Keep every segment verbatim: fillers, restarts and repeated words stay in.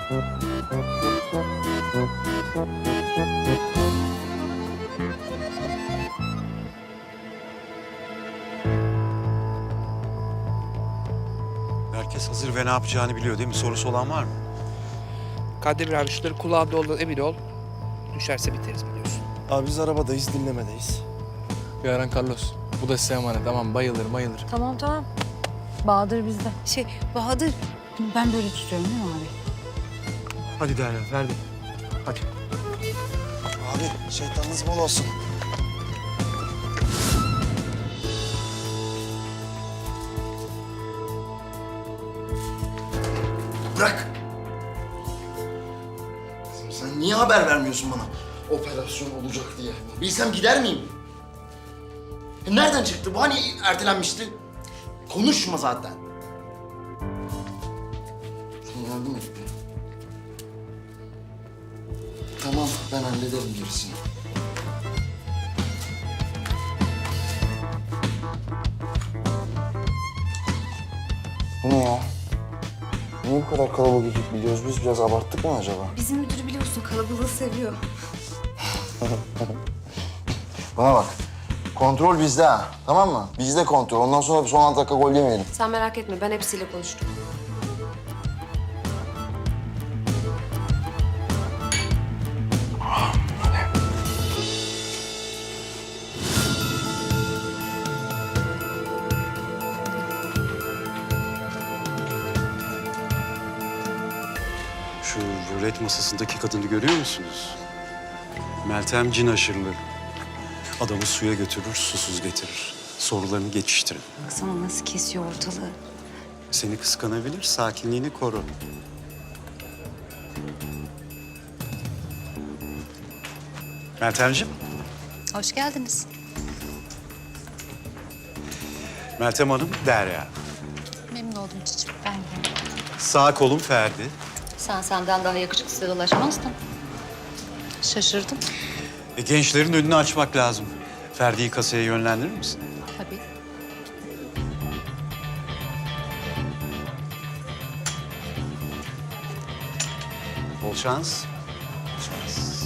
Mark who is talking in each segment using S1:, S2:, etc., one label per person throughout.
S1: Herkes hazır ve ne yapacağını biliyor değil mi? Sorusu olan var mı?
S2: Kandemir abi şunları kulağında olduğundan emin ol. Düşerse biteriz biliyorsun.
S3: Abi biz arabadayız, dinlemedeyiz.
S4: Yaran Carlos. Bu da size emanet. Tamam, bayılır bayılır.
S5: Tamam tamam. Bahadır bizde.
S6: Şey Bahadır, ben böyle tutuyorum değil mi abi?
S3: Hadi Derya, Ferdi. Hadi. Abi şeytanınız bol olsun.
S7: Bırak. Sen niye haber vermiyorsun bana? Operasyon olacak diye. Bilsem gider miyim? E nereden çıktı bu? Hani ertelenmişti? Konuşma zaten. Sen yardım et bir. Tamam, ben hallederim gerisini. Bu ne ya? Niye bu kadar kalabalık ekip biliyoruz? Biz biraz abarttık mı acaba?
S6: Bizim müdür biliyorsun kalabalığı seviyor.
S7: Bana bak. Kontrol bizde ha. Tamam mı? Bizde kontrol. Ondan sonra son altı dakika gol yemeyelim.
S6: Sen merak etme, ben hepsiyle konuştum.
S1: Şu rulet masasındaki kadını görüyor musunuz? Meltem cin aşırlı. Adamı suya götürür, susuz getirir. Sorularını geçiştirin.
S6: Baksana nasıl kesiyor ortalığı.
S1: Seni kıskanabilir, sakinliğini koru. Meltemciğim.
S6: Hoş geldiniz.
S1: Meltem Hanım, Derya.
S6: Memnun oldum çiçeğim. Ben de.
S1: Sağ kolum Ferdi.
S6: Sen senden daha yakışıklıya ulaşmazdın. Şaşırdım.
S1: E, gençlerin önünü açmak lazım. Ferdi'yi kasaya yönlendirir misin?
S6: Tabii.
S1: Bol şans. Bol şans.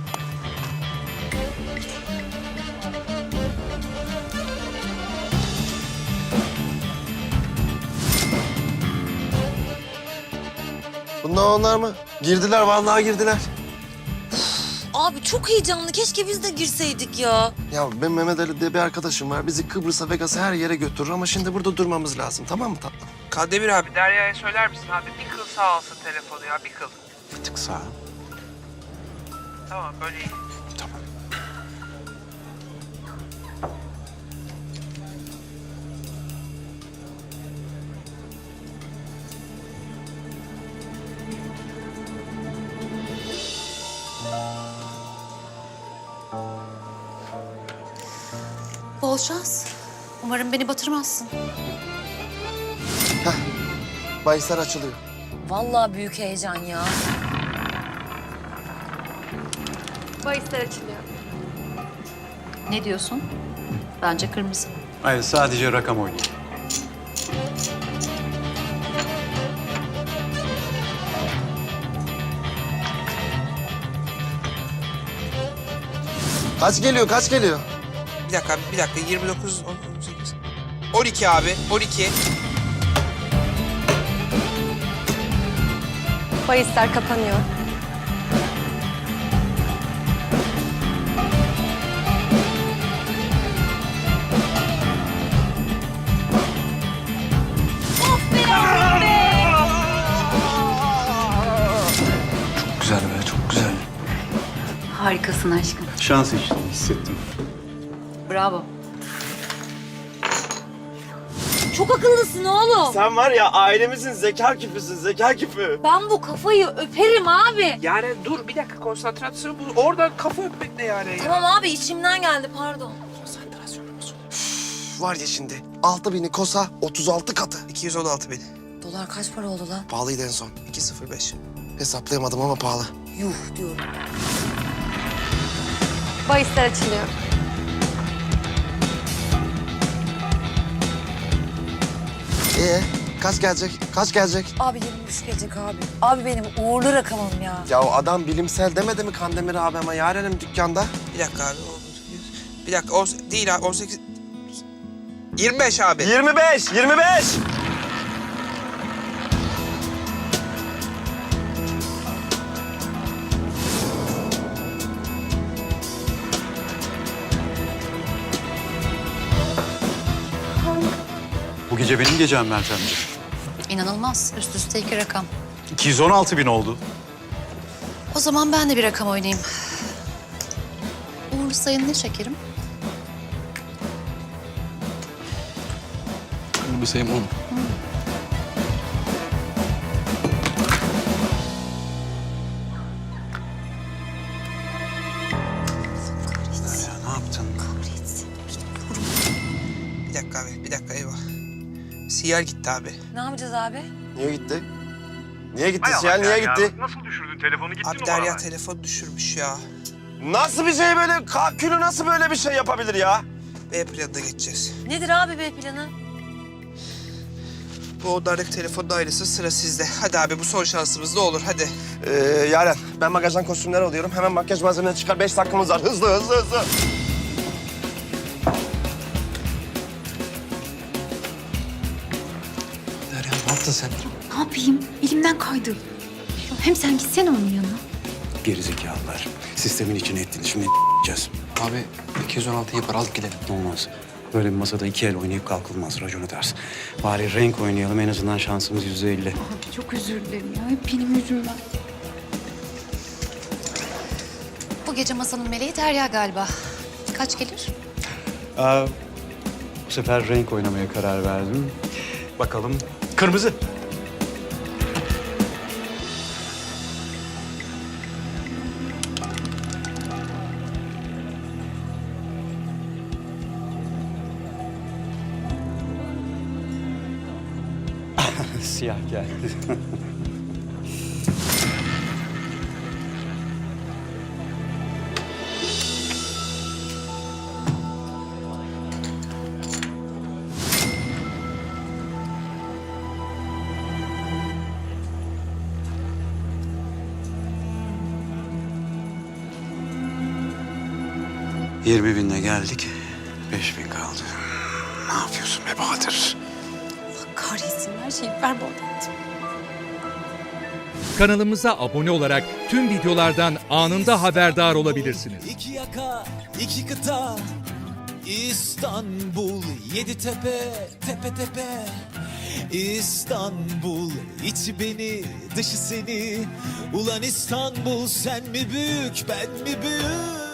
S3: Bunlar onlar mı? Girdiler, vallahi girdiler.
S5: Abi çok heyecanlı. Keşke biz de girseydik ya.
S3: Ya ben Mehmet Ali diye bir arkadaşım var. Bizi Kıbrıs'a, Vegas'a her yere götürür ama şimdi burada durmamız lazım. Tamam mı tatlım?
S2: Kandemir abi Derya'ya söyler misin abi? Bir kıl sağ alsın telefonu ya, bir kıl.
S1: Bir tık sağa.
S2: Tamam böyle iyi.
S1: Tamam.
S6: Bol şans. Umarım beni batırmazsın.
S3: Bahisler açılıyor.
S5: Vallahi büyük heyecan ya.
S6: Bahisler açılıyor. Ne diyorsun? Bence kırmızı.
S1: Hayır, sadece rakam oynayın.
S3: Kaç geliyor, kaç geliyor?
S2: Bir dakika abi, bir dakika. yirmi dokuz, on sekiz. on iki abi, on iki.
S5: Bahisler kapanıyor.
S3: Çok güzel be, çok güzel.
S6: Harikasın aşkım.
S1: Şans işte, hissettim.
S6: Bravo.
S5: Çok akıllısın oğlum.
S3: Sen var ya ailemizin zeka küpüsün, zeka küpü.
S5: Ben bu kafayı öperim abi.
S2: Yani dur bir dakika, konsantrasyon bu. Oradan kafa öpmek ne yani?
S5: Tamam abi içimden geldi pardon.
S2: Konsantrasyonumuz.
S3: Var ya şimdi, altı bini kosa otuz altı katı.
S2: iki yüz on altı bin.
S5: Dolar kaç para oldu lan?
S3: Pahalıydı en son.
S2: iki sıfır beş.
S3: Hesaplayamadım ama pahalı.
S5: Yuh diyorum.
S6: Bahisler açılıyor.
S3: Ee, Kaç gelecek? Kaç gelecek?
S5: Abi yirmi üç gelecek abi. Abi benim uğurlu rakamım ya.
S3: Ya o adam bilimsel demedi mi Kandemir abi ama yarenim dükkanda?
S2: Bir dakika abi. o- Bir dakika. On, değil abi. on sekiz... yirmi beş abi.
S3: yirmi beş, yirmi beş.
S1: Bu gece benim gecem Meltemciğim.
S6: İnanılmaz. Üst üste iki rakam.
S1: iki yüz on altı bin oldu.
S6: O zaman ben de bir rakam oynayayım. Uğurlu sayın ne şekerim?
S4: Bu sayım on.
S1: Ya ne yaptın?
S2: Bir dakika abi. Bir dakika eyvah. Siyer gitti abi.
S5: Ne yapacağız abi?
S3: Niye gitti? Niye gitti Siyah? Niye gitti?
S8: Nasıl düşürdün? Telefonu gitti
S2: Abi
S8: mi
S2: Derya
S8: bana?
S2: telefon düşürmüş ya.
S3: Nasıl bir şey böyle? Kakülü nasıl böyle bir şey yapabilir ya?
S2: B planına geçeceğiz.
S5: Nedir abi B planı?
S2: Bu odalardaki telefonun ayrısı sıra sizde. Hadi abi bu son şansımız ne olur hadi.
S3: Ee, Yaren, ben magazdan kostümler alıyorum. Hemen makyaj malzemeleri çıkar. Beş dakikamız var. Hızlı, hızlı, hızlı.
S2: Derya ne yaptın sen?
S6: Ne yapayım? Elimden kaydı. Hem sen gitsene onun yanına.
S1: Gerizekalılar. Sistemin içine ettiğini şimdi yiyeceğiz.
S4: Abi iki yüz on altı yapar alıp gidelim.
S1: Olmaz. Böyle bir masada iki el oynayıp kalkılmaz. Raconu ters. Bari renk oynayalım. En azından şansımız yüzde elli.
S6: Abi çok özür dilerim ya. Hep benim yüzümden. Bu gece masanın meleği Derya galiba. Kaç gelir?
S1: Aa, bu sefer renk oynamaya karar verdim. Bakalım. Kırmızı. Siyah geldi. Yirmi binle geldik. Beş bin kaldı. Ne yapıyorsun be Bahadır?
S6: Kahretsin her şeyi berbat ettim.
S9: Kanalımıza abone olarak tüm videolardan anında haberdar olabilirsiniz.
S10: İki yaka, iki kıta, İstanbul, yedi tepe, tepe tepe. İstanbul, içi beni, dışı seni. Ulan İstanbul, sen mi büyük, ben mi büyük?